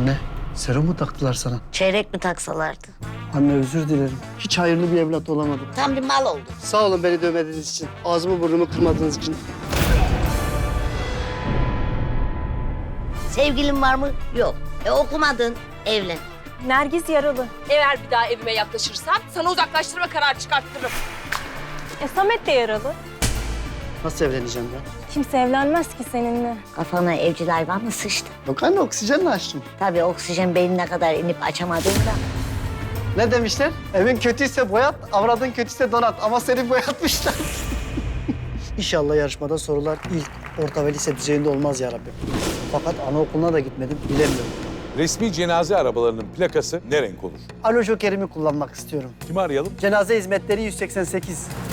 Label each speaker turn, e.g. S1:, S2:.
S1: Anne, serum mu taktılar sana?
S2: Çeyrek mi taksalardı?
S1: Anne özür dilerim. Hiç hayırlı bir evlat olamadım.
S2: Tam bir mal oldu.
S1: Sağ olun beni dövmediğiniz için. Ağzımı burnumu kırmadığınız için.
S2: Sevgilin var mı? Yok. Okumadın, evlen.
S3: Nergis yaralı.
S4: Eğer bir daha evime yaklaşırsan sana uzaklaştırma kararı çıkarttırırım.
S3: Samet de yaralı.
S1: Nasıl evleneceğim ben?
S3: Kimse evlenmez ki seninle.
S2: Kafana evcil hayvan mı sıçtı?
S1: Yok anne, oksijenle açtım.
S2: Tabii oksijen beynine kadar inip açamadığında.
S1: Ne demişler? Evin kötüyse boyat, avradın kötüyse donat. Ama seni boyatmışlar. İnşallah yarışmada sorular ilk, orta ve lise düzeyinde olmaz ya Rabbim. Fakat anaokuluna da gitmedim, bilemiyorum.
S5: Resmi cenaze arabalarının plakası ne renk olur?
S1: Alo Joker'imi kullanmak istiyorum.
S5: Kimi arayalım?
S1: Cenaze hizmetleri 188.